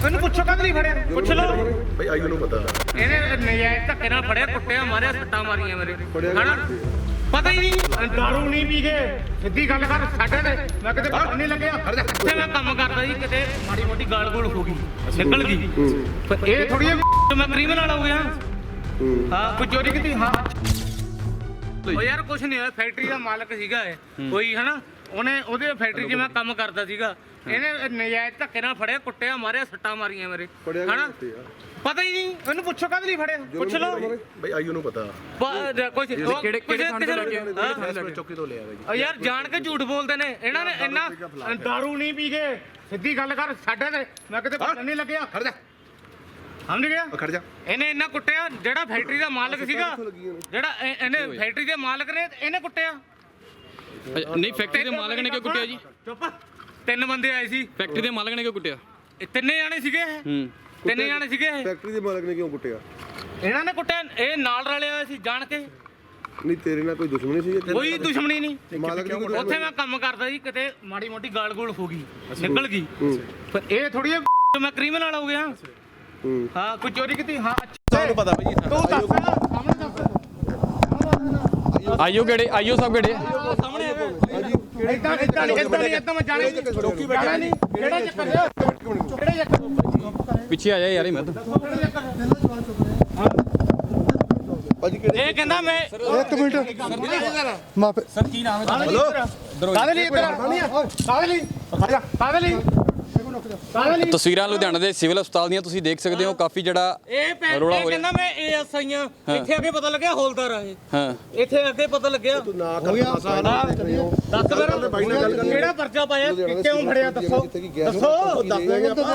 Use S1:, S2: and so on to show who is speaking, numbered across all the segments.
S1: ਇਹਨੂੰ ਪੁੱਛੋ ਕਦ ਨਹੀਂ ਫੜਿਆ ਪੁੱਛ ਲਓ
S2: ਭਾਈ ਆਯੂ ਨੂੰ ਪਤਾ
S1: ਇਹਨੇ ਨਜਾਇਜ਼ ਧੱਕੇ ਨਾਲ ਫੜਿਆ ਕੁੱਟਿਆ ਮਾਰਿਆ ਸੱਟਾਂ ਮਾਰੀਆਂ ਮੇਰੇ ਹਨਾ ਪਤਾ ਹੀ ਨਹੀਂ ਦਾਰੂ ਨਹੀਂ ਪੀ ਕੇ ਸਿੱਧੀ ਗੱਲ ਕਰ ਸਾਡੇ ਤੇ ਮੈਂ ਕਿਤੇ ਪਤਾ ਨਹੀਂ ਲੱਗਿਆ ਤੇ ਮੈਂ ਕੰਮ ਕਰਦਾ ਜੀ ਕਿਤੇ ਮਾੜੀ ਮੋਟੀ ਗਾਲ ਗੋਲ ਹੋ ਗਈ ਨਿਕਲ ਗਈ ਪਰ ਇਹ ਥੋੜੀ ਮੈਂ ਕ੍ਰਿਮੀਨਲ ਹੋ ਗਿਆ ਹਾਂ ਕੋਈ ਚੋਰੀ ਕੀਤੀ ਹਾਂ ਉਹ ਯਾਰ ਕੁਛ ਨਹੀਂ ਹੋਇਆ ਫੈਕਟਰੀ ਦਾ ਮਾਲਕ ਸੀਗਾ ਇਹ ਕੋਈ ਹਨਾ ਉਹਨੇ ਉਹਦੇ ਫੈਕਟਰੀ 'ਚ ਮੈਂ ਕੰਮ ਕਰਦਾ ਸੀਗਾ ਇਹਨੇ ਨਜਾਇਜ਼ ਧੱਕੇ ਨਾਲ ਫੜਿਆ ਕੁੱਟਿਆ ਮਾਰਿਆ ਸੱਟਾਂ ਮਾਰੀਆਂ ਮੇਰੇ ਹਨਾ ਪਤਾ ਹੀ ਨਹੀਂ ਇਹਨੂੰ ਪੁੱਛੋ ਕਦ ਨਹੀਂ ਫੜਿਆ ਪੁੱਛ ਲਓ
S2: ਭਾਈ ਆਯੂ ਨੂੰ ਪਤਾ
S1: ਕੁਛ
S3: ਕਿਹੜੇ ਥਾਣੇ ਤੋਂ ਲੈ ਕੇ
S2: ਚੌਕੀ ਤੋਂ ਲਿਆ ਬਾਈ
S1: ਯਾਰ ਜਾਣ ਕੇ ਝੂਠ ਬੋਲਦੇ ਨੇ ਇਹਨਾਂ ਨੇ ਇੰਨਾ ਦਾਰੂ ਨਹੀਂ ਪੀ ਕੇ ਸਿੱਧੀ ਗੱਲ ਕਰ ਸਾਡੇ ਤੇ ਮੈਂ ਕਿਤੇ ਪਤਾ ਨਹੀਂ ਲੱਗਿਆ
S2: ਖੜ ਜਾ
S1: ਸਮਝ ਗਿਆ
S2: ਖੜ ਜਾ
S1: ਇਹਨੇ ਇੰਨਾ ਕੁੱਟਿਆ ਜਿਹੜਾ ਫੈਕਟਰੀ ਦਾ ਮਾਲਕ ਸੀਗਾ ਜਿਹੜਾ ਇਹਨੇ ਫੈਕਟਰੀ ਦੇ ਮਾਲਕ ਨੇ ਇਹਨੇ ਕੁੱਟਿਆ
S3: ਨਹੀਂ ਫੈਕਟਰੀ ਦੇ ਮਾਲਕ ਨੇ ਕਿਉਂ ਕੁੱਟਿਆ ਜੀ
S1: ਚੁੱਪ ਤਿੰਨ ਬੰਦੇ ਆਏ ਸੀ
S3: ਫੈਕਟਰੀ ਦੇ ਮਾਲਕ ਨੇ ਕਿਉਂ ਕੁੱਟਿਆ
S1: ਤਿੰਨੇ ਜਾਣੇ ਸੀਗੇ ਤਿੰਨੇ ਜਾਣੇ ਸੀਗੇ
S2: ਫੈਕਟਰੀ ਦੇ ਮਾਲਕ ਨੇ ਕਿਉਂ ਕੁੱਟਿਆ
S1: ਇਹਨਾਂ ਨੇ ਕੁੱਟਿਆ ਇਹ ਨਾਲ ਰਲਿਆ ਹੋਇਆ ਸੀ ਜਾਣ ਕੇ
S2: ਨਹੀਂ ਤੇਰੇ ਨਾਲ ਕੋਈ ਦੁਸ਼ਮਣੀ ਸੀ
S1: ਕੋਈ ਦੁਸ਼ਮਣੀ ਨਹੀਂ
S2: ਮਾਲਕ ਦੀ
S1: ਉੱਥੇ ਮੈਂ ਕੰਮ ਕਰਦਾ ਸੀ ਕਿਤੇ ਮਾੜੀ ਮੋਟੀ ਗਾਲ ਗੋਲ ਹੋ ਗਈ ਨਿਕਲ ਗਈ ਪਰ ਇਹ ਥੋੜੀ ਮੈਂ ਕ੍ਰਿਮੀਨਲ ਹੋ ਗਿਆ ਹਾਂ ਕੋਈ ਚੋਰੀ ਕੀਤੀ ਹਾਂ
S2: ਤੁਹਾਨੂੰ ਪਤਾ ਭਾਈ
S1: ਤੂੰ ਦੱਸ ਸਾਹਮਣੇ ਦੱਸ
S3: ਆਈਓ ਕਿਹੜੇ ਆਈਓ ਸਭ ਕਿਹੜੇ
S1: ਸਾਹਮਣੇ ਇਦਾਂ ਮੈਂ ਜਾਣੇ ਚੌਕੀ ਬੈਠਾ ਨਹੀਂ ਕਿਹੜਾ ਚੱਕਰ ਕਿਹੜਾ ਚੱਕਰ
S3: ਪਿੱਛੇ ਆ ਜਾ ਯਾਰ ਇਹ ਮਤ
S2: ਭਾਜੀ
S1: ਇਹ ਕਹਿੰਦਾ ਮੈਂ
S4: ਇੱਕ ਮਿੰਟ ਮਾਫੀ
S3: ਸਰ ਕੀ ਨਾਮ ਹੈ
S2: ਹਲੋ
S1: ਕਾਹਦੇ ਲਈ ਕਾਹਦੇ ਲਈ
S3: ਤਸਵੀਰਾਂ ਲੁਧਿਆਣਾ ਦੇ ਸਿਵਲ ਹਸਪਤਾਲ ਦੀਆਂ ਤੁਸੀਂ ਦੇਖ ਸਕਦੇ ਹੋ ਕਾਫੀ ਜਿਹੜਾ
S1: ਇਹ
S3: ਰੌਲਾ ਹੋ
S1: ਕਹਿੰਦਾ ਮੈਂ ਏਐਸਆਈ ਆ ਇੱਥੇ ਅੱਗੇ ਪਤਾ ਲੱਗਿਆ ਹੌਲਦਾਰ ਆ ਇਹ
S3: ਹਾਂ
S1: ਇੱਥੇ ਅੱਗੇ ਪਤਾ ਲੱਗਿਆ
S2: ਨਾ ਕਰ
S1: ਦੱਸ ਫਿਰ ਕਿਹੜਾ ਪਰਚਾ ਪਾਇਆ ਕਿਉਂ ਫੜਿਆ ਦੱਸੋ ਦੱਸੋ ਦੱਸ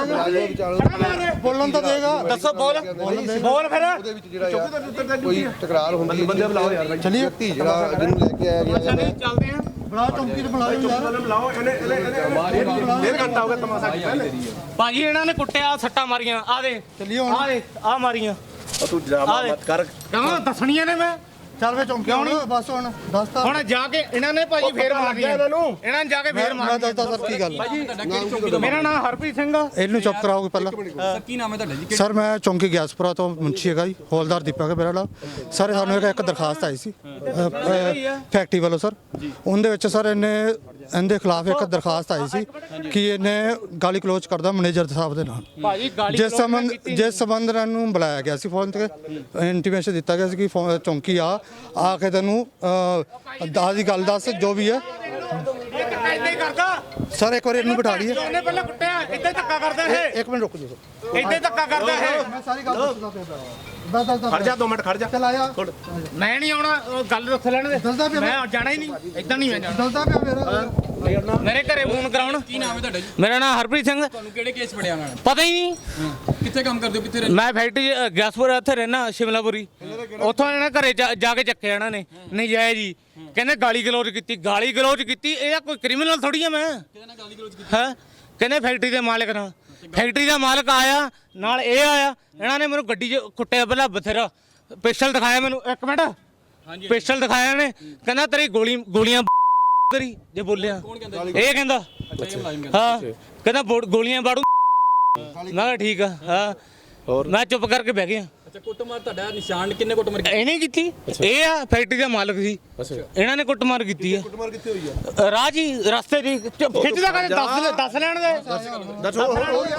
S4: ਬੋਲਣ ਤਾਂ ਦੇਗਾ
S1: ਦੱਸੋ ਬੋਲ ਫਿਰ
S2: ਉਹਦੇ ਵਿੱਚ ਜਿਹੜਾ ਕੋਈ ਤਕਰਾਰ ਹੁੰਦੀ ਹੈ ਬੰਦੇ ਬੁਲਾਓ ਯਾਰ ਭਾਈ
S4: ਚਲਿਏ
S2: ਧੀ ਜਿਹੜਾ ਜਿਹਨੂੰ ਲੈ ਕੇ ਆਇਆ ਗਿਆ
S1: ਅੱਛਾ ਨਹੀਂ ਚੱਲਦੇ ਆ
S4: ਬੁਲਾ ਚੌਂਕੀ ਤੇ ਬੁਲਾਓ ਯਾਰ
S2: ਬੁਲਾਓ ਇਹਨੇ ਡੇਢ ਘੰਟਾ ਹੋ ਗਿਆ ਤਮਾਸ਼ਾ ਕੀਤਾ
S1: ਭਾਜੀ ਇਹਨਾਂ ਨੇ ਕੁੱਟਿਆ ਸੱਟਾਂ ਮਾਰੀਆਂ ਆ ਦੇ
S4: ਚੱਲੀਏ ਹੁਣ
S1: ਆ ਦੇ ਆ ਮਾਰੀਆਂ
S2: ਤੂੰ ਡਰਾਮਾ ਮਤ ਕਰ
S1: ਕਹਾਂ ਦੱਸਣੀਆਂ ਨੇ ਮੈਂ
S4: ਚੱਲ ਵੇ ਚੌਂਕੀ ਹੁਣ ਬਸ ਹੁਣ ਦੱਸਤਾ
S1: ਹੁਣ ਜਾ ਕੇ ਇਹਨਾਂ ਨੇ ਭਾਜੀ ਫੇਰ ਮਾਰਨੀਆਂ ਇਹਨਾਂ ਨੇ ਜਾ ਕੇ ਫੇਰ
S4: ਮੈਂ
S1: ਮਾਰਨੀਆਂ
S4: ਦੱਸਦਾ ਸਰ ਕੀ ਗੱਲ
S1: ਮੇਰਾ ਨਾਮ ਹਰਪ੍ਰੀਤ ਸਿੰਘ ਆ
S4: ਇਹਨੂੰ ਚੁੱਪ ਕਰਾਓਗੇ ਪਹਿਲਾਂ
S3: ਸਰ ਕੀ ਨਾਮ ਹੈ ਤੁਹਾਡਾ ਜੀ
S4: ਸਰ ਮੈਂ ਚੌਂਕੀ ਗਿਆਸਪੁਰਾ ਤੋਂ ਮੁੰਸ਼ੀ ਹੈਗਾ ਜੀ ਹੌਲਦਾਰ ਦੀਪਕ ਹੈ ਮੇਰਾ ਨਾਮ ਸਰ ਸਾਨੂੰ ਇੱਕ ਦਰਖਾਸਤ ਆਈ ਸੀ ਫੈਕਟਰੀ ਵੱਲੋਂ ਸਰ ਉਹਦੇ ਵਿੱਚ ਸਰ ਇਹਦੇ ਖਿਲਾਫ ਇੱਕ ਦਰਖਾਸਤ ਆਈ ਸੀ ਕਿ ਇਹਨੇ ਗਾਲੀ ਕਲੋਜ਼ ਕਰਦਾ ਮੈਨੇਜਰ ਸਾਹਿਬ ਦੇ ਨਾਲ
S1: ਭਾਜੀ ਗਾਲੀ
S4: ਜਿਸ ਸੰਬੰਧ ਨਾਲ ਨੂੰ ਬੁਲਾਇਆ ਗਿਆ ਸੀ ਫੋਨ ਤੇ ਇੰਟੀਮੇਸ਼ਨ ਦਿੱਤਾ ਗਿਆ ਸੀ ਕਿ ਚੌਂਕੀ ਆ ਕੇ ਤੈਨੂੰ ਦਾਸ ਦੀ ਗੱਲ ਦੱਸ ਜੋ ਵੀ ਹੈ
S1: ਇੱਦਾਂ ਹੀ ਕਰਦਾ
S4: ਸਰ ਇੱਕ ਵਾਰੀ ਇਹਨੂੰ ਬਿਠਾ ਲਈਏ
S1: ਉਹਨੇ ਪਹਿਲਾਂ ਕੁੱਟਿਆ ਇੱਦਾਂ ਹੀ ਧੱਕਾ ਕਰਦਾ ਇਹ
S4: ਇੱਕ ਮਿੰਟ ਰੁਕ ਜੀ ਸਰ
S1: ਇੱਦਾਂ ਹੀ ਧੱਕਾ ਕਰਦਾ ਇਹ
S4: ਮੈਂ ਸਾਰੀ ਗੱਲ ਦੱਸਦਾ ਪਿਆ ਦੱਸ
S2: ਖੜ ਜਾ 2 ਮਿੰਟ ਖੜ ਜਾ
S4: ਚੱਲ ਆਇਆ
S1: ਮੈਂ ਨਹੀਂ ਆਉਣਾ ਉਹ ਗੱਲ ਦੱਸ ਲੈਣ ਦੇ
S4: ਦੱਸਦਾ ਪਿਆ
S1: ਮੈਂ ਜਾਣਾ ਹੀ ਨਹੀਂ ਇੱਦਾਂ ਨਹੀਂ ਮੈਂ ਜਾਣਾ
S4: ਦੱਸਦਾ ਪਿਆ ਮੇਰਾ
S1: ਮੇਰੇ ਘਰੇ ਫੋਨ ਕਰਾਉਣ
S3: ਕੀ ਨਾਮ ਹੈ ਤੁਹਾਡਾ ਜੀ
S1: ਮੇਰਾ ਨਾਮ ਹਰਪ੍ਰੀਤ ਸਿੰਘ
S3: ਤੁਹਾਨੂੰ ਕਿਹੜੇ ਕੇਸ ਫੜਿਆ ਉਹਨਾਂ ਨੇ
S1: ਪਤਾ ਹੀ ਨਹੀਂ
S3: ਕਿੱਥੇ ਕੰਮ ਕਰਦੇ ਹੋ ਕਿੱਥੇ
S1: ਮੈਂ ਫੈਕਟਰੀ ਗੈਸਪੁਰ ਇੱਥੇ ਰਹਿਣਾ ਸ਼ਿਮਲਾਪੁਰੀ ਉੱਥੋਂ ਇਹਨਾਂ ਘਰੇ ਜਾ ਕੇ ਚੱਕਿਆ ਇਹਨਾਂ ਨੇ ਨਜਾਇਜ਼ ਜੀ ਕਹਿੰਦੇ ਗਾਲੀ ਗਲੋਚ ਕੀਤੀ ਇਹਦਾ ਕੋਈ ਕ੍ਰਿਮੀਨਲ ਥੋੜੀ ਆ ਮੈਂ ਹੈ ਕਹਿੰਦੇ ਫੈਕਟਰੀ ਦੇ ਮਾਲਕ ਨਾਲ ਫੈਕਟਰੀ ਦਾ ਮਾਲਕ ਆਇਆ ਨਾਲ ਇਹ ਆਇਆ ਇਹਨਾਂ ਨੇ ਮੈਨੂੰ ਗੱਡੀ 'ਚ ਕੁੱਟਿਆ ਪਹਿਲਾਂ ਬਥੇਰਾ ਪਿਸਟਲ ਦਿਖਾਇਆ ਮੈਨੂੰ ਇੱਕ ਮਿੰਟ ਪਿਸਟਲ ਦਿਖਾਇਆ ਨੇ ਕਹਿੰਦਾ ਤੇਰੀ ਗੋਲੀਆਂ ਤੇਰੀ ਜੇ ਬੋਲਿਆ ਇਹ ਕਹਿੰਦਾ ਹਾਂ ਕਹਿੰਦਾ ਗੋਲੀਆਂ ਬਾੜੂ ਮੈਂ ਕਿਹਾ ਠੀਕ ਆ ਹਾਂ ਮੈਂ ਚੁੱਪ ਕਰਕੇ ਬਹਿ ਗਿਆ
S3: ਅੱਛਾ ਕੁੱਟਮਾਰ ਤੁਹਾਡਾ ਨਿਸ਼ਾਨ ਕਿੰਨੇ ਕੁੱਟਮਾਰ
S1: ਇਹਨੇ ਕੀਤੀ ਇਹ ਆ ਫੈਕਟਰੀ ਦਾ ਮਾਲਕ ਸੀ ਇਹਨਾਂ ਨੇ ਕੁੱਟਮਾਰ ਕੀਤੀ ਹੈ
S2: ਕੁੱਟਮਾਰ ਕਿੱਥੇ ਹੋਈ ਆ
S1: ਰਾਹ ਜੀ ਰਸਤੇ ਦੀ ਖਿੱਚਦਾ ਕਹਿੰਦੇ ਦੱਸ ਲੈਣ ਦੇ
S2: ਦੱਸੋ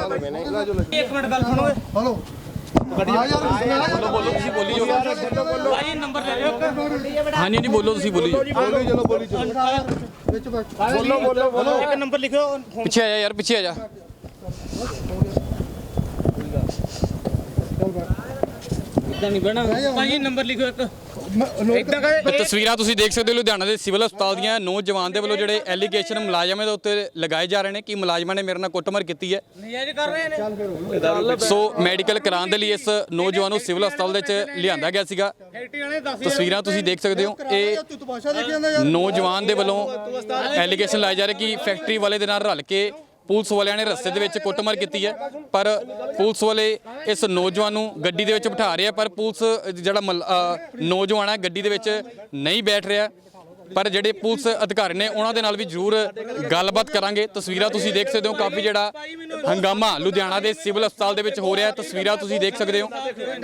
S1: ਇੱਕ ਮਿੰਟ ਗੱਲ ਸੁਣੋ
S4: ਹਲੋ
S3: ਬੋਲੋ ਤੁਸੀਂ ਬੋਲੀ ਜਾਓ
S1: ਭਾਈ ਨੰਬਰ ਲੈ ਲਿਓ
S3: ਹਾਂਜੀ ਹਾਂਜੀ ਬੋਲੋ ਤੁਸੀਂ ਬੋਲੀ ਜਾਓ
S4: ਵਿੱਚ ਬੈਠ
S1: ਬੋਲੋ ਇੱਕ ਨੰਬਰ ਲਿਖਿਓ
S3: ਪਿੱਛੇ ਆ ਜਾ ਯਾਰ ਪਿੱਛੇ ਆ ਜਾ
S1: ਇਦਾਂ ਨਹੀਂ ਬਣਾ ਭਾਈ ਨੰਬਰ ਲਿਖਿਓ ਇੱਕ ਇਦਾਂ ਕਹੇ
S3: ਤਸਵੀਰਾਂ ਤੁਸੀਂ ਦੇਖ ਸਕਦੇ ਹੋ ਲੁਧਿਆਣਾ ਦੇ ਸਿਵਲ ਹਸਪਤਾਲ ਦੀਆਂ ਨੌਜਵਾਨ ਦੇ ਵੱਲੋਂ ਜਿਹੜੇ ਐਲੀਗੇਸ਼ਨ ਮੁਲਾਜ਼ਮਾਂ ਦੇ ਉੱਤੇ ਲਗਾਏ ਜਾ ਰਹੇ ਨੇ ਕਿ ਮੁਲਾਜ਼ਮਾਂ ਨੇ ਮੇਰੇ ਨਾਲ ਕੁੱਟਮਾਰ ਕੀਤੀ ਹੈ
S1: ਨਜਾਇਜ਼ ਕਰ ਰਹੇ ਨੇ
S3: ਸੋ ਮੈਡੀਕਲ ਕਰਾਉਣ ਦੇ ਲਈ ਇਸ ਨੌਜਵਾਨ ਨੂੰ ਸਿਵਲ ਹਸਪਤਾਲ ਦੇ ਵਿੱਚ ਲਿਆਂਦਾ ਗਿਆ ਸੀਗਾ
S1: ਫੈਕਟਰੀ ਵਾਲੇ ਦੱਸ
S3: ਤਸਵੀਰਾਂ ਤੁਸੀਂ ਦੇਖ ਸਕਦੇ ਹੋ ਇਹ
S4: ਤੂੰ ਤਮਾਸ਼ਾ ਦੇਖੀ ਜਾਂਦਾ ਯਾਰ
S3: ਨੌਜਵਾਨ ਦੇ ਵੱਲੋਂ ਐਲੀਗੇਸ਼ਨ ਲਾਏ ਜਾ ਰਹੇ ਕਿ ਫੈਕਟਰੀ ਵਾਲੇ ਦੇ ਨਾਲ ਰਲ ਕੇ ਪੁਲਿਸ ਵਾਲਿਆਂ ਨੇ ਰਸਤੇ ਦੇ ਵਿੱਚ ਕੁੱਟਮਾਰ ਕੀਤੀ ਹੈ ਪਰ ਪੁਲਿਸ ਵਾਲੇ ਇਸ ਨੌਜਵਾਨ ਨੂੰ ਗੱਡੀ ਦੇ ਵਿੱਚ ਬਿਠਾ ਰਹੇ ਆ ਪਰ ਪੁਲਿਸ ਜਿਹੜਾ ਨੌਜਵਾਨ ਹੈ ਗੱਡੀ ਦੇ ਵਿੱਚ ਨਹੀਂ ਬੈਠ ਰਿਹਾ ਪਰ ਜਿਹੜੇ ਪੁਲਿਸ ਅਧਿਕਾਰੀ ਨੇ ਉਹਨਾਂ ਦੇ ਨਾਲ ਵੀ ਜ਼ਰੂਰ ਗੱਲਬਾਤ ਕਰਾਂਗੇ। ਤਸਵੀਰਾਂ ਤੁਸੀਂ ਦੇਖ ਸਕਦੇ ਹੋ, ਕਾਫੀ ਜਿਹੜਾ ਹੰਗਾਮਾ ਲੁਧਿਆਣਾ ਦੇ ਸਿਵਲ ਹਸਪਤਾਲ ਦੇ ਵਿੱਚ ਹੋ ਰਿਹਾ। ਤਸਵੀਰਾਂ ਤੁਸੀਂ ਦੇਖ ਸਕਦੇ ਹੋ,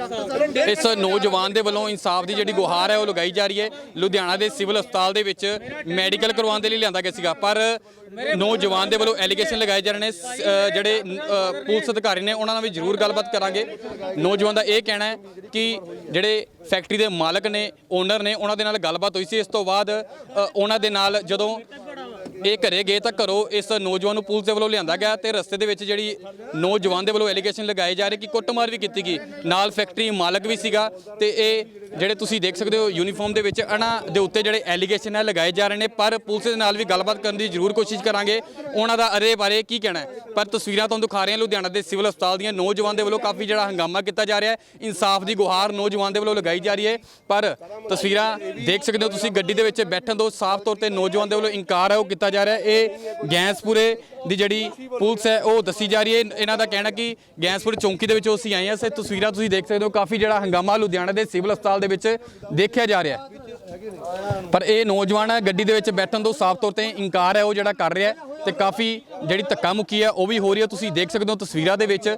S3: ਇਸ ਨੌਜਵਾਨ ਦੇ ਵੱਲੋਂ ਇਨਸਾਫ ਦੀ ਜਿਹੜੀ ਗੁਹਾਰ ਹੈ ਉਹ ਲਗਾਈ ਜਾ ਰਹੀ ਹੈ। ਲੁਧਿਆਣਾ ਦੇ ਸਿਵਲ ਹਸਪਤਾਲ ਦੇ ਵਿੱਚ ਮੈਡੀਕਲ ਕਰਵਾਉਣ ਦੇ ਲਈ ਲਿਆਂਦਾ ਗਿਆ ਸੀਗਾ, ਪਰ ਨੌਜਵਾਨ ਦੇ ਵੱਲੋਂ ਐਲੀਗੇਸ਼ਨ ਲਗਾਏ ਜਾ ਰਹੇ ਨੇ। ਜਿਹੜੇ ਪੁਲਿਸ ਅਧਿਕਾਰੀ ਨੇ ਉਹਨਾਂ ਨਾਲ ਵੀ ਜ਼ਰੂਰ ਗੱਲਬਾਤ ਕਰਾਂਗੇ। ਨੌਜਵਾਨ ਦਾ ਇਹ ਕਹਿਣਾ ਹੈ ਕਿ ਜਿਹੜੇ ਫੈਕਟਰੀ ਦੇ ਮਾਲਕ ਨੇ, ਓਨਰ ਨੇ, ਉਹਨਾਂ ਦੇ ਨਾਲ ਗੱਲਬਾਤ ਹੋਈ ਸੀ। ਇਸ ਤੋਂ ਬਾਅਦ ਉਹਨਾਂ ਦੇ ਨਾਲ ਜਦੋਂ ਇਹ ਘਰੇ ਗਏ ਤਾਂ ਘਰੋਂ ਇਸ ਨੌਜਵਾਨ ਨੂੰ ਪੁਲਿਸ ਦੇ ਵੱਲੋਂ ਲਿਆਂਦਾ ਗਿਆ ਤੇ ਰਸਤੇ ਦੇ ਵਿੱਚ ਜਿਹੜੀ ਨੌਜਵਾਨ ਦੇ ਵੱਲੋਂ ਐਲੀਗੇਸ਼ਨ ਲਗਾਏ ਜਾ ਰਹੇ ਕਿ ਕੁੱਟਮਾਰ ਵੀ ਕੀਤੀ ਗਈ, ਨਾਲ ਫੈਕਟਰੀ ਮਾਲਕ ਵੀ ਸੀਗਾ। ਤੇ ਇਹ ਜਿਹੜੇ ਤੁਸੀਂ ਦੇਖ ਸਕਦੇ ਹੋ ਯੂਨੀਫਾਰਮ ਦੇ ਵਿੱਚ ਇਹਨਾਂ ਦੇ ਉੱਤੇ ਜਿਹੜੇ ਐਲੀਗੇਸ਼ਨ ਹੈ ਲਗਾਏ ਜਾ ਰਹੇ ਨੇ, ਪਰ ਪੁਲਿਸ ਦੇ ਨਾਲ ਵੀ ਗੱਲਬਾਤ ਕਰਨ ਦੀ ਜ਼ਰੂਰ ਕੋਸ਼ਿਸ਼ ਕਰਾਂਗੇ ਉਹਨਾਂ ਦਾ ਇਹਦੇ ਬਾਰੇ ਕੀ ਕਹਿਣਾ ਹੈ। ਪਰ ਤਸਵੀਰਾਂ ਤੁਹਾਨੂੰ ਦਿਖਾ ਰਹੇ ਹਾਂ ਲੁਧਿਆਣਾ ਦੇ ਸਿਵਲ ਹਸਪਤਾਲ ਦੀਆਂ। ਨੌਜਵਾਨ ਦੇ ਵੱਲੋਂ ਕਾਫੀ ਜਿਹੜਾ ਹੰਗਾਮਾ ਕੀਤਾ ਜਾ ਰਿਹਾ ਹੈ, ਇਨਸਾਫ ਦੀ ਗੁਹਾਰ ਨੌਜਵਾਨ ਦੇ ਵੱਲੋਂ ਲਗਾਈ ਜਾ ਰਹੀ ਹੈ। ਪਰ ਤਸਵੀਰਾਂ ਦੇਖ ਸਕਦੇ ਹੋ ਤੁਸੀਂ, ਗੱਡੀ ਦੇ ਵਿੱਚ ਬੈਠਣ ਤੋਂ ਸਾਫ਼ ਤੌਰ ਤੇ ਨੌਜਵਾਨ ਦੇ ਵੱਲੋਂ ਇਨਕਾਰ ਹੈ ਉਹ ਕੀਤਾ ਜਾ ਰਿਹਾ ਹੈ। ਇਹ ਗੈਂਸਪੁਰੇ ਦੀ ਜਿਹੜੀ ਪੁਲਿਸ ਹੈ ਉਹ ਦੱਸੀ ਜਾ ਰਹੀ ਹੈ। ਇਹਨਾਂ ਦਾ ਕਹਿਣਾ ਕਿ ਗੈਂਸਪੁਰ ਚੌਂਕੀ ਦੇ ਵਿੱਚੋਂ ਅਸੀਂ ਆਏ ਹਾਂ। ਤਸਵੀਰਾਂ ਤੁਸੀਂ ਦੇਖ ਸਕਦੇ ਹੋ, ਕਾਫੀ ਜਿਹੜਾ ਹੰਗਾਮਾ ਲੁਧਿਆਣਾ ਦੇ ਸਿਵਲ ਹਸਪਤਾਲ ਦੇ ਵਿੱਚ ਦੇਖਿਆ ਜਾ ਰਿਹਾ ਹੈ। ਪਰ ਇਹ ਨੌਜਵਾਨ ਗੱਡੀ ਦੇ ਵਿੱਚ ਬੈਠਣ ਤੋਂ ਸਾਫ਼ ਤੌਰ ਤੇ ਇਨਕਾਰ ਹੈ ਉਹ ਜਿਹੜਾ ਕਰ ਰਿਹਾ ਹੈ ਤੇ ਕਾਫੀ ਜਿਹੜੀ ਧੱਕਾ ਮੁੱਕੀ ਹੈ ਉਹ ਵੀ ਹੋ ਰਹੀ ਹੈ। ਤੁਸੀਂ ਦੇਖ ਸਕਦੇ ਹੋ ਤਸਵੀਰਾਂ ਦੇ ਵਿੱਚ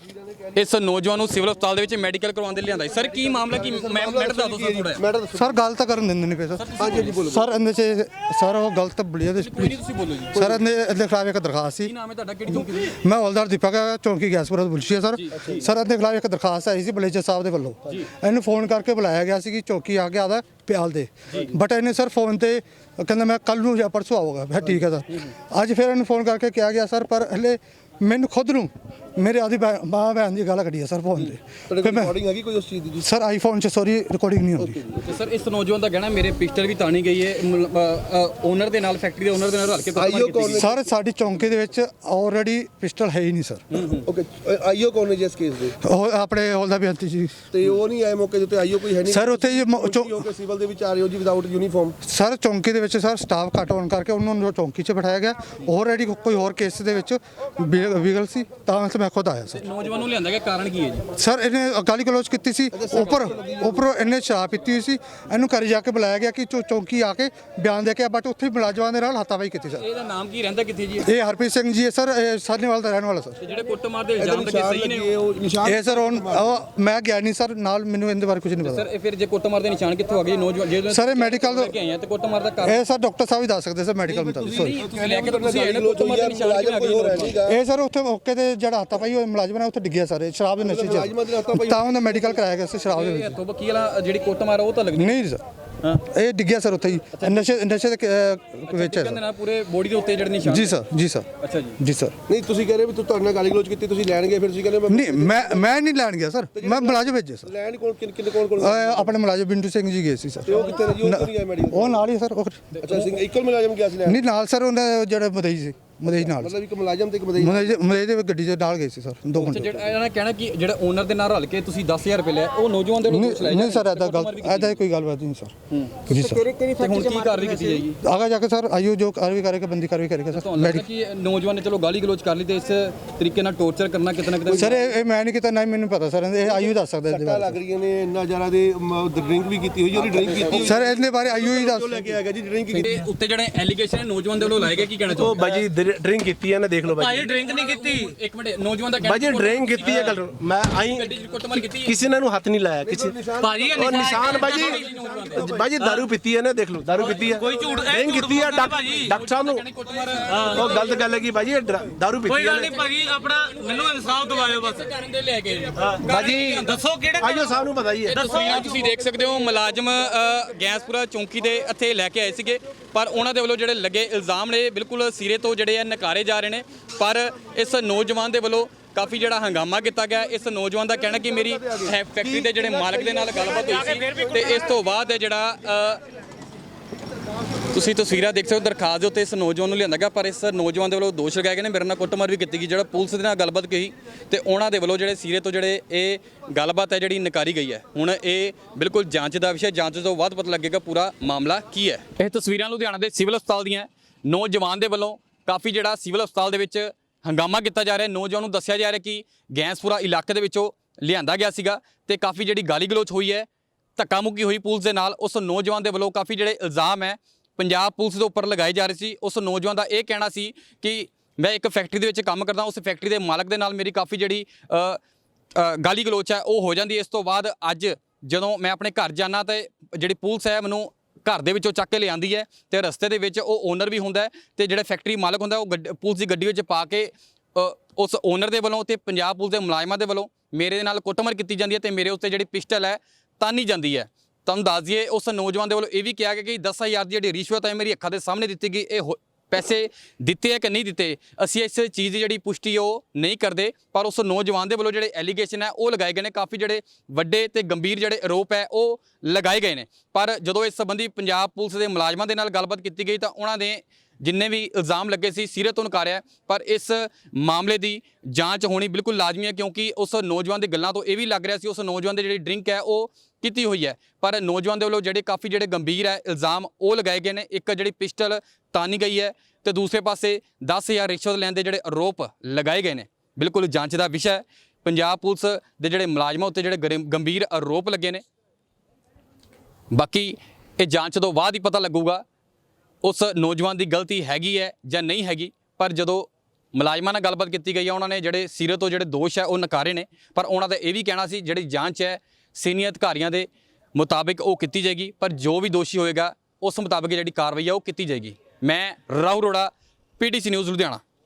S3: ਇਸ ਨੌਜਵਾਨ ਨੂੰ ਸਿਵਲ ਹਸਪਤਾਲ ਦੇ ਵਿੱਚ ਮੈਡੀਕਲ ਕਰਵਾਉਣ ਦੇ ਲਈ ਲਿਆਂਦਾ। ਸਰ ਕੀ ਮਾਮਲਾ ਕੀ ਮੈਟਰ ਦੱਸੋ ਸਰ ਥੋੜਾ।
S4: ਸਰ ਗੱਲ ਤਾਂ ਕਰਨ ਦਿੰਦੇ ਨਹੀਂ ਪਏ ਸਰ।
S2: ਹਾਂਜੀ ਬੋਲੋ
S4: ਸਰ ਇਹਦੇ 'ਚ ਸਰ ਉਹ ਗਲਤ ਬਲੀਆ ਦੇ
S3: ਤੁਸੀਂ ਬੋਲੋ ਜੀ।
S4: ਸਰ ਇਹਦੇ ਖਿਲਾਫ ਇੱਕ ਦਰਖਾਸਤ ਸੀ।
S3: ਕੀ ਨਾਮ ਹੈ ਤੁਹਾਡਾ, ਕਿਹੜੀ ਚੌਂਕੀ ਦੇ?
S4: ਮੈਂ ਹੌਲਦਾਰ ਦੀਪਕ ਚੌਂਕੀ ਗੈਸਪੁਰਾ ਤੋਂ ਬੁਲਸ਼ੀ ਹੈ ਸਰ। ਸਰ ਇਹਦੇ ਖਿਲਾਫ ਇੱਕ ਦਰਖਾਸਤ ਆਈ ਸੀ ਬਲੇਜਰ ਸਾਹਿਬ ਦੇ ਵੱਲੋਂ। ਇਹਨੂੰ ਫੋਨ ਕਰਕੇ ਬੁਲਾਇਆ ਗਿਆ ਸੀ ਕਿ ਚੌਕੀ ਆ ਕੇ ਆਦਾ ਪਿਆਲ ਦੇ, ਬਟ ਇਹਨੇ ਸਰ ਫੋਨ ਤੇ ਕਹਿੰਦਾ ਮੈਂ ਕੱਲ ਨੂੰ ਜਾਂ ਪਰਸੋਂ ਆਊਗਾ। ਫਿਰ ਠੀਕ ਹੈ ਸਰ। ਅੱਜ ਫਿਰ ਇਹਨੂੰ ਫੋਨ ਕਰਕੇ ਕਿਹਾ ਗਿਆ ਸਰ, ਪਰ ਹਲੇ ਮੈਨੂੰ ਖੁਦ ਨੂੰ ਮੇਰੇ ਆਦੀ ਮਾਂ ਭੈਣ ਦੀ ਗੱਲ ਕੱਢੀ ਹੈ ਸਰ ਫੋਨ ਤੇ। ਫਿਰ ਮੈਂ
S2: ਰਿਕਾਰਡਿੰਗ ਹੈਗੀ ਕੋਈ ਉਸ ਚੀਜ਼ ਦੀ?
S4: ਸਰ ਆਈਫੋਨ 'ਚ ਸੌਰੀ ਰਿਕਾਰਡਿੰਗ ਨਹੀਂ ਹੁੰਦੀ।
S3: ਤੇ ਸਰ ਇਸ ਨੌਜਵਾਨ ਦਾ ਕਹਿਣਾ ਮੇਰੇ ਪਿਸਟਲ ਵੀ ਤਾਣੀ ਗਈ ਹੈ ਓਨਰ ਦੇ ਨਾਲ, ਫੈਕਟਰੀ ਦੇ ਓਨਰ ਦੇ ਨਾਲ ਰਲ ਕੇ ਕੁੱਟਮਾਰ ਕੀਤੀ ਗਈ।
S4: ਸਰ ਸਾਡੀ ਚੌਂਕੀ ਦੇ ਵਿੱਚ ਆਲਰੇਡੀ ਪਿਸਟਲ ਹੈ ਹੀ ਨਹੀਂ ਸਰ।
S2: ਓਕੇ, ਆਈਓ ਕੌਣ ਨੇ ਜੀ ਇਸ ਕੇਸ ਦੇ?
S4: ਉਹ ਆਪਣੇ ਹੌਲਦਾਰ ਬੇਨਤੀ ਜੀ
S2: ਤੇ ਉਹ ਨਹੀਂ ਆਏ ਮੌਕੇ ਦੇ ਉੱਤੇ? ਆਈਓ ਕੋਈ ਹੈ ਨਹੀਂ
S4: ਸਰ ਉੱਥੇ ਜੀ
S2: ਓਕੇ, ਸਿਵਲ ਦੇ ਵਿੱਚ ਆ ਰਹੇ ਹੋ ਜੀ ਵਿਦਆਊਟ ਯੂਨੀਫਾਰਮ?
S4: ਸਰ ਚੌਂਕੀ ਦੇ ਵਿੱਚ ਸਰ ਸਟਾਫ ਘੱਟ ਹੋਣ ਕਰਕੇ ਉਹਨਾਂ ਨੂੰ ਚੌਂਕੀ 'ਚ ਬਿਠਾਇਆ ਗਿਆ। ਆਲਰੇਡੀ ਕੋਈ ਹੋਰ ਕੇਸ ਦੇ ਵਿੱਚ ਵਿਗਲ ਸੀ ਤਾਂ ਮੈਂ ਖੁਦ ਆਇਆ ਸਰ।
S3: ਨੌਜਵਾਨ ਨੂੰ ਲਿਆਂਦਾ ਗਿਆ, ਕਾਰਨ ਕੀ ਹੈ ਜੀ?
S4: ਸਰ ਇਹਨੇ ਗਾਲੀ ਗਲੋਚ ਕੀਤੀ ਸੀ, ਉੱਪਰੋਂ ਇਹਨੇ ਸ਼ਰਾਬ ਪੀਤੀ ਹੋਈ ਸੀ। ਇਹਨੂੰ ਘਰ ਜਾ ਕੇ ਬੁਲਾਇਆ ਗਿਆ ਕਿ ਚੌਂਕੀ ਆ ਕੇ ਬਿਆਨ ਦੇ ਕੇ, ਬਟ ਉੱਥੇ ਹੀ ਮੁਲਾਜ਼ਮਾਂ ਦੇ ਨਾਲ ਹੱਥਾਬਾਈ ਕੀਤੀ ਸਰ।
S3: ਇਹਦਾ ਨਾਮ ਕੀ ਰਹਿੰਦਾ, ਕਿੱਥੇ ਜੀ?
S4: ਇਹ ਹਰਪ੍ਰੀਤ ਸਿੰਘ ਜੀ ਹੈ ਸਰ, ਇਹ ਸਾਹਨੇਵਾਲ ਦਾ ਰਹਿਣ ਵਾਲਾ ਸਰ।
S3: ਤੇ ਜਿਹੜੇ ਕੁੱਟਮਾਰ ਦੇ ਇਲਜ਼ਾਮ ਲੱਗੇ ਸਹੀ ਨੇ?
S4: ਇਹ ਸਰ ਮੈਂ ਗਿਆ ਨਹੀਂ ਸਰ ਨਾਲ, ਮੈਨੂੰ ਇਹਦੇ ਬਾਰੇ ਕੁਝ ਨਹੀਂ ਪਤਾ
S3: ਸਰ। ਇਹ ਫਿਰ ਜੇ ਕੁੱਟਮਾਰ ਦੇ ਨਿਸ਼ਾਨ ਕਿੱਥੋਂ ਆ ਗਏ ਨੌਜਵਾਨ ਜਿਹੜੇ
S4: ਸਰ? ਇਹ ਮੈਡੀਕਲ
S3: ਲੈ ਕੇ ਆਏ ਆ ਤੇ ਕੁੱਟਮਾਰ ਦਾ ਕਾਰਨ
S4: ਇਹ ਸਰ ਡਾਕਟਰ ਸਾਹਿਬ ਹੀ ਦੱਸ ਸਕਦੇ ਸਰ ਮੈਡੀਕਲ ਮੁਤਾਬਿਕ। ਸੋਰੀ
S3: ਤੁਸੀਂ ਲੈ ਕੇ ਤੁਸੀਂ ਆਏ ਨਾ, ਕੁੱਟਮਾਰ ਦੇ ਨਿਸ਼ਾਨ ਕਿਵੇਂ ਆ ਗਏ?
S4: ਇਹ ਸਰ ਉੱਥੇ ਮੌਕੇ ਤੇ ਜਿਹੜਾ ਹੱਥਾ ਪਾਈ ਹੋਇਆ ਮੁਲਾਜ਼ਮ ਨੇ ਉੱਥੇ ਡਿੱਗਿਆ ਸਰ, ਸ਼ਰਾਬ ਦੇ ਨਸ਼ੇ 'ਚ, ਤਾਂ ਉਹਦਾ ਮੈਡੀਕਲ ਕਰਾਇਆ ਗਿਆ ਸੀ ਸ਼ਰਾਬ ਦੇ ਵਿੱਚ।
S3: ਤੋਂ ਵਕੀਲ ਜਿਹੜੀ ਕੁੱਟਮਾਰ ਉਹ ਤਾਂ ਲੱਗਦੀ
S4: ਨਹੀਂ ਸਰ, ਇਹ ਡਿੱਗਿਆ ਸਰ ਉੱਥੇ ਹੀ ਨਸ਼ੇ ਦੇ ਵਿੱਚ ਹੈ
S3: ਕਹਿੰਦੇ ਨਾਲ ਪੂਰੇ ਬੋਡੀ ਦੇ ਉੱਤੇ ਜਿਹੜੇ ਨਿਸ਼ਾਨ।
S4: ਜੀ ਸਰ, ਜੀ ਸਰ।
S3: ਅੱਛਾ ਜੀ,
S4: ਜੀ ਸਰ।
S2: ਨਹੀਂ ਤੁਸੀਂ ਕਹਿ ਰਹੇ ਵੀ ਤੁਹਾਡੇ ਨਾਲ ਗਾਲੀ ਗਲੋਚ ਕੀਤੀ, ਤੁਸੀਂ ਲੈਣ ਗਏ, ਫਿਰ ਤੁਸੀਂ ਕਹਿੰਦੇ
S4: ਨਹੀਂ ਮੈਂ ਨਹੀਂ ਲੈਣ ਗਿਆ ਸਰ, ਮੈਂ ਮੁਲਾਜ਼ਮ ਭੇਜੇ ਸਰ।
S2: ਲੈਣ ਕੋਲ ਕਿੰਨੇ ਕੋਲ
S4: ਆਪਣੇ ਮੁਲਾਜ਼ਮ ਬਿੰਦੂ ਸਿੰਘ ਜੀ ਗਏ ਸੀ ਸਰ।
S2: ਉਹ ਕਿੱਥੇ ਨੇ ਜੀ? ਉਹ ਨਹੀਂ ਆਏ ਮੈਡੀਕਲ?
S4: ਉਹ ਨਾਲ ਹੀ ਸਰ।
S2: ਅੱਛਾ ਸਿੰਘ ਇੱਕੋ ਮੁਲਾਜ਼ਮ ਗਿਆ ਸੀ ਲੈਣ?
S4: ਨਹੀਂ ਨਾਲ ਸਰ ਉਹਨਾਂ ਜਿਹੜੇ ਮਦਈ ਸੀ, ਮਦਈ ਨਾਲ
S2: ਮਤਲਬ ਇੱਕ ਮੁਲਾਜ਼ਮ ਤੇ ਇੱਕ ਮਦਈ?
S4: ਮਦਈ ਦੇ ਗੱਡੀ 'ਚ ਨਾਲ ਗਏ ਸੀ ਸਰ 2 ਘੰਟੇ।
S3: ਜਿਹੜਾ ਇਹਨਾਂ ਨੇ ਕਹਿਣਾ ਕਿ ਜਿਹੜਾ ਓਨਰ ਦੇ ਨਾਲ ਰਲ ਕੇ ਤੁਸੀਂ 10000 ਰੁਪਏ ਲਿਆ, ਉਹ ਨੌਜਵਾਨ ਦੇ ਨੂੰ
S4: ਨਹੀਂ ਸਰ, ਐਦਾ ਕੋਈ ਗੱਲਬਾਤ ਨਹੀਂ ਸਰ। ਜੀ ਸਰ।
S3: ਤੇ ਹੁਣ ਕੀ ਕਾਰਵਾਈ ਕੀਤੀ ਜਾਏਗੀ?
S4: ਆਗਾ ਜਾ ਕੇ ਸਰ ਆਈਓ ਜੋ ਕਾਰਵਾਈ ਕਰੇਗਾ, ਬੰਦੀ ਕਾਰਵਾਈ ਕਰੇਗਾ ਸਰ।
S3: ਤੁਹਾਨੂੰ ਲੱਗਦਾ ਕਿ ਨੌਜਵਾਨ ਨੇ ਚਲੋ ਗਾਲੀ ਗਲੋਚ ਕਰ ਲਈ ਤੇ ਇਸ ਤਰੀਕੇ ਨਾਲ ਟੌਰਚਰ ਕਰਨਾ ਕਿਤੇ ਨਾ ਕਿਤੇ?
S4: ਸਰ ਇਹ ਮੈਂ ਨਹੀਂ ਕੀਤਾ, ਨਾ ਮੈਨੂੰ ਪਤਾ ਸਰ, ਇਹ ਆਈਓ ਦੱਸ ਸਕਦਾ ਇਹਦੇ ਬਾਰੇ।
S2: ਲੱਗ ਰਹੀਆਂ ਨੇ ਇੰਨਾ ਜ਼ਿਆਦਾ ਦੇ ਡਰਿੰਕ ਵੀ ਕੀਤੀ ਹੋਈ, ਉਹਦੀ ਡਰਿੰਕ ਕੀਤੀ
S4: ਸਰ ਇਹਦੇ ਬਾਰੇ ਆਈਓ ਹੀ ਦੱਸ।
S2: ਲੈ ਕੇ ਆ ਗਿਆ ਜੀ ਡਰਿੰਕ ਕੀਤੀ।
S3: ਤੇ ਉੱਤੇ ਜਿਹੜੇ ਐਲੀਗੇਸ਼ਨ ਨੌਜਵਾਨ ਦੇ ਵੱਲੋਂ ਲਾਏ ਗਏ, ਕੀ ਕਹਿਣਾ ਚਾਹੋਗੇ?
S5: ਉਹ ਬਾਜੀ ਡਰਿੰਕ ਕੀਤੀ ਹੈ ਨਾ, ਦੇਖ ਲਓ
S1: ਭਾਜੀ ਡਰਿੰਕ ਨਹੀਂ ਕੀਤੀ।
S3: ਇੱਕ ਮਿੰਟ, ਨੌਜਵਾਨ ਦਾ
S5: ਬਾਜੀ ਡਰਿੰਕ ਕੀਤੀ ਹੈ। ਗੱਲ ਮੈਂ ਆਈ
S3: ਗੱਡੀ 'ਚ ਕੁੱਟਮਾਰ ਕੀਤੀ ਹੈ?
S5: ਕਿਸੇ ਨੇ ਨੂੰ ਹੱਥ ਨਹੀਂ ਲਾਇਆ ਕਿਸੇ।
S1: ਭਾਜੀ
S5: ਉਹ ਨਿਸ਼ਾਨ ਬਾਜੀ ਦਾਰੂ ਪੀਤੀ ਹੈ ਨਾ, ਦੇਖ ਲਓ ਦਾਰੂ ਪੀਤੀ ਹੈ,
S1: ਕੋਈ ਝੂਠ
S5: ਡਰਿੰਕ ਕੀਤੀ ਹੈ। ਡਾਕਟਰ ਸਾਹਿਬ ਨੂੰ ਉਹ ਗਲਤ ਗੱਲ ਹੈ ਕਿ ਬਾਜੀ ਇਹ ਦਾਰੂ ਪੀਤੀ
S1: ਕੋਈ ਗੱਲ
S5: ਹੈ।
S1: ਨਹੀਂ ਭਾਜੀ, ਆਪਣਾ ਮੈਨੂੰ ਇਨਸਾਫ ਦਿਵਾਇਓ ਬਸ।
S3: ਕਰਨ ਦੇ ਲੈ ਕੇ
S5: ਬਾਜੀ
S1: ਦੱਸੋ ਕਿਹੜੇ
S5: ਆਈਓ ਸਾਹਿਬ ਨੂੰ ਪਤਾ ਹੀ ਹੈ।
S3: ਤਸਵੀਰਾਂ ਤੁਸੀਂ ਦੇਖ ਸਕਦੇ ਹੋ, ਮੁਲਾਜ਼ਮ ਗੈਂਸਪੁਰਾ ਚੌਂਕੀ ਦੇ ਇੱਥੇ ਲੈ ਕੇ ਆਏ ਸੀਗੇ, ਪਰ ਉਹਨਾਂ ਦੇ ਵੱਲੋਂ ਜਿਹੜੇ ਲੱਗੇ ਇਲਜ਼ਾਮ ਨੇ ਬਿਲਕੁਲ ਸਿਰੇ ਤੋਂ ਜਿਹੜੇ ਆ ਨਕਾਰੇ ਜਾ ਰਹੇ ਨੇ। ਪਰ ਇਸ ਨੌਜਵਾਨ ਦੇ ਵੱਲੋਂ ਕਾਫੀ ਜਿਹੜਾ ਹੰਗਾਮਾ ਕੀਤਾ ਗਿਆ। ਇਸ ਨੌਜਵਾਨ ਦਾ ਕਹਿਣਾ ਕਿ ਮੇਰੀ ਫੈਕਟਰੀ ਦੇ ਜਿਹੜੇ ਮਾਲਕ ਦੇ ਨਾਲ ਗੱਲਬਾਤ ਹੋਈ ਸੀ ਤੇ ਇਸ ਤੋਂ ਬਾਅਦ ਜਿਹੜਾ ਤੁਸੀਂ ਤਸਵੀਰਾਂ ਦੇਖ ਸਕਦੇ ਹੋ, ਦਰਖਾਸਤ ਦੇ ਉੱਤੇ ਇਸ ਨੌਜਵਾਨ ਨੂੰ ਲਿਆਂਦਾ ਗਿਆ, ਪਰ ਇਸ ਨੌਜਵਾਨ ਦੇ ਵੱਲੋਂ ਦੋਸ਼ ਲਗਾਏ ਗਏ ਨੇ ਮੇਰੇ ਨਾਲ ਕੁੱਟਮਾਰ ਵੀ ਕੀਤੀ ਗਈ। ਜਿਹੜਾ ਪੁਲਿਸ ਦੇ ਨਾਲ ਗੱਲਬਾਤ ਕਹੀ ਤੇ ਉਹਨਾਂ ਦੇ ਵੱਲੋਂ ਜਿਹੜੇ ਸਿਰੇ ਤੋਂ ਜਿਹੜੇ ਇਹ ਗੱਲਬਾਤ ਹੈ ਜਿਹੜੀ ਨਕਾਰੀ ਗਈ ਹੈ। ਹੁਣ ਇਹ ਬਿਲਕੁਲ ਜਾਂਚ ਦਾ ਵਿਸ਼ਾ, ਜਾਂਚ ਤੋਂ ਬਾਅਦ ਪਤਾ ਲੱਗੇਗਾ ਪੂਰਾ ਮਾਮਲਾ ਕੀ ਹੈ। ਇਹ ਤਸਵੀਰਾਂ ਲੁਧਿਆਣਾ ਦੇ ਸਿਵਲ ਹਸਪਤਾਲ ਦੀਆਂ। ਨੌਜਵਾਨ ਦੇ ਵੱਲੋਂ ਕਾਫੀ ਜਿਹੜਾ ਸਿਵਲ ਹਸਪਤਾਲ ਦੇ ਵਿੱਚ ਹੰਗਾਮਾ ਕੀਤਾ ਜਾ ਰਿਹਾ। ਨੌਜਵਾਨ ਨੂੰ ਦੱਸਿਆ ਜਾ ਰਿਹਾ ਕਿ ਗੈਂਸਪੁਰਾ ਇਲਾਕੇ ਦੇ ਵਿੱਚੋਂ ਲਿਆਂਦਾ ਗਿਆ ਸੀਗਾ ਤੇ ਕਾਫੀ ਜਿਹੜੀ ਗਾਲੀ ਗਲੋਚ ਹੋਈ ਹੈ, ਧੱਕਾ ਮੁੱਕੀ ਹੋਈ ਪੁਲਿਸ ਦੇ ਨਾਲ। ਉਸ ਨੌਜਵਾਨ ਦੇ ਵੱਲੋਂ ਕਾਫੀ ਜਿਹੜੇ ਇਲਜ਼ਾਮ ਹੈ ਪੰਜਾਬ ਪੁਲਿਸ ਦੇ ਉੱਪਰ ਲਗਾਏ ਜਾ ਰਹੇ ਸੀ। ਉਸ ਨੌਜਵਾਨ ਦਾ ਇਹ ਕਹਿਣਾ ਸੀ ਕਿ ਮੈਂ ਇੱਕ ਫੈਕਟਰੀ ਦੇ ਵਿੱਚ ਕੰਮ ਕਰਦਾ, ਉਸ ਫੈਕਟਰੀ ਦੇ ਮਾਲਕ ਦੇ ਨਾਲ ਮੇਰੀ ਕਾਫੀ ਜਿਹੜੀ ਗਾਲੀ ਗਲੋਚ ਹੈ ਉਹ ਹੋ ਜਾਂਦੀ। ਇਸ ਤੋਂ ਬਾਅਦ ਅੱਜ ਜਦੋਂ ਮੈਂ ਆਪਣੇ ਘਰ ਜਾਣਾ ਤੇ ਜਿਹੜੀ ਪੁਲਿਸ ਹੈ ਮੈਨੂੰ ਘਰ ਦੇ ਵਿੱਚੋਂ ਚੱਕ ਕੇ ਲਿਆਂਦੀ ਹੈ ਤੇ ਰਸਤੇ ਦੇ ਵਿੱਚ ਉਹ ਓਨਰ ਵੀ ਹੁੰਦਾ ਤੇ ਜਿਹੜਾ ਫੈਕਟਰੀ ਮਾਲਕ ਹੁੰਦਾ ਉਹ ਪੁਲਿਸ ਦੀ ਗੱਡੀ ਵਿੱਚ ਪਾ ਕੇ ਉਸ ਓਨਰ ਦੇ ਵੱਲੋਂ ਤੇ ਪੰਜਾਬ ਪੁਲਿਸ ਦੇ ਮੁਲਾਜ਼ਮਾਂ ਦੇ ਵੱਲੋਂ ਮੇਰੇ ਨਾਲ ਕੁੱਟਮਾਰ ਕੀਤੀ ਜਾਂਦੀ ਹੈ ਤੇ ਮੇਰੇ ਉੱਤੇ ਜਿਹੜੀ ਪਿਸਟਲ ਹੈ ਤਾਨੀ ਜਾਂਦੀ ਹੈ। ਤੁਹਾਨੂੰ ਦੱਸ ਦਈਏ ਉਸ ਨੌਜਵਾਨ ਦੇ ਵੱਲੋਂ ਇਹ ਵੀ ਕਿਹਾ ਗਿਆ ਕਿ 10,000 ਦੀ ਜਿਹੜੀ ਰਿਸ਼ਵਤ ਹੈ ਮੇਰੀ ਅੱਖਾਂ ਦੇ ਸਾਹਮਣੇ ਦਿੱਤੀ ਗਈ। ਇਹ ਪੈਸੇ ਦਿੱਤੇ ਹੈ ਕਿ ਨਹੀਂ ਦਿੱਤੇ, ਅਸੀਂ ਇਸ ਚੀਜ਼ ਦੀ ਜਿਹੜੀ ਪੁਸ਼ਟੀ ਉਹ ਨਹੀਂ ਕਰਦੇ, ਪਰ ਉਸ ਨੌਜਵਾਨ ਦੇ ਵੱਲੋਂ ਜਿਹੜੇ ਐਲੀਗੇਸ਼ਨ ਹੈ ਉਹ ਲਗਾਏ ਗਏ ਨੇ। ਕਾਫੀ ਜਿਹੜੇ ਵੱਡੇ ਤੇ ਗੰਭੀਰ ਜਿਹੜੇ ਆਰੋਪ ਹੈ ਉਹ ਲਗਾਏ ਗਏ ਨੇ। ਪਰ ਜਦੋਂ ਇਸ ਸੰਬੰਧੀ ਪੰਜਾਬ ਪੁਲਿਸ ਦੇ ਮੁਲਾਜ਼ਮਾਂ ਦੇ ਨਾਲ ਗੱਲਬਾਤ ਕੀਤੀ ਗਈ ਤਾਂ ਉਹਨਾਂ ਨੇ ਜਿੰਨੇ ਵੀ ਇਲਜ਼ਾਮ ਲੱਗੇ ਸੀ ਸਿਰੇ ਤੋਂ ਨਕਾਰਿਆ। ਪਰ ਇਸ ਮਾਮਲੇ ਦੀ ਜਾਂਚ ਹੋਣੀ ਬਿਲਕੁਲ ਲਾਜ਼ਮੀ ਹੈ, ਕਿਉਂਕਿ ਉਸ ਨੌਜਵਾਨ ਦੀ ਗੱਲਾਂ ਤੋਂ ਇਹ ਵੀ ਲੱਗ ਰਿਹਾ ਸੀ ਉਸ ਨੌਜਵਾਨ ਦੀ ਜਿਹੜੀ ਡਰਿੰਕ ਹੈ ਉਹ ਕੀਤੀ ਹੋਈ ਹੈ। ਪਰ ਨੌਜਵਾਨ ਦੇ ਵੱਲੋਂ ਜਿਹੜੇ ਕਾਫੀ ਜਿਹੜੇ ਗੰਭੀਰ ਹੈ ਇਲਜ਼ਾਮ ਉਹ ਲਗਾਏ ਗਏ ਨੇ। ਇੱਕ ਜਿਹੜੀ ਪਿਸਟਲ ਤਾਨੀ ਗਈ ਹੈ ਤੇ ਦੂਸਰੇ ਪਾਸੇ 10,000 ਰਿਸ਼ਵਤ ਲੈਣ ਦੇ ਜਿਹੜੇ ਆਰੋਪ ਲਗਾਏ ਗਏ ਨੇ। ਬਿਲਕੁਲ ਜਾਂਚ ਦਾ ਵਿਸ਼ਾ ਹੈ। ਪੰਜਾਬ ਪੁਲਿਸ ਦੇ ਜਿਹੜੇ ਮੁਲਾਜ਼ਮਾਂ ਉੱਤੇ ਜਿਹੜੇ ਗੰਭੀਰ ਆਰੋਪ ਲੱਗੇ ਨੇ, ਬਾਕੀ ਇਹ ਜਾਂਚ ਤੋਂ ਬਾਅਦ ਹੀ ਪਤਾ ਲੱਗੂਗਾ ਉਸ ਨੌਜਵਾਨ ਦੀ ਗਲਤੀ ਹੈਗੀ ਹੈ ਜਾਂ ਨਹੀਂ ਹੈਗੀ। ਪਰ ਜਦੋਂ ਮੁਲਾਜ਼ਮਾਂ ਨਾਲ ਗੱਲਬਾਤ ਕੀਤੀ ਗਈ ਹੈ ਉਹਨਾਂ ਨੇ ਜਿਹੜੇ ਸਿਰੇ ਤੋਂ ਜਿਹੜੇ ਦੋਸ਼ ਹੈ ਉਹ ਨਕਾਰੇ ਨੇ। ਪਰ ਉਹਨਾਂ ਦਾ ਇਹ ਵੀ ਕਹਿਣਾ ਸੀ ਜਿਹੜੀ ਜਾਂਚ ਹੈ ਸੀਨੀਅਰ ਅਧਿਕਾਰੀਆਂ ਦੇ ਮੁਤਾਬਿਕ ਉਹ ਕੀਤੀ ਜਾਏਗੀ, ਪਰ ਜੋ ਵੀ ਦੋਸ਼ੀ ਹੋਏਗਾ ਉਸ ਮੁਤਾਬਿਕ ਜਿਹੜੀ ਕਾਰਵਾਈ ਹੈ ਉਹ ਕੀਤੀ ਜਾਏਗੀ। ਮੈਂ ਰਾਹੁਲ ਅਰੋੜਾ, PTC ਨਿਊਜ਼ ਲੁਧਿਆਣਾ।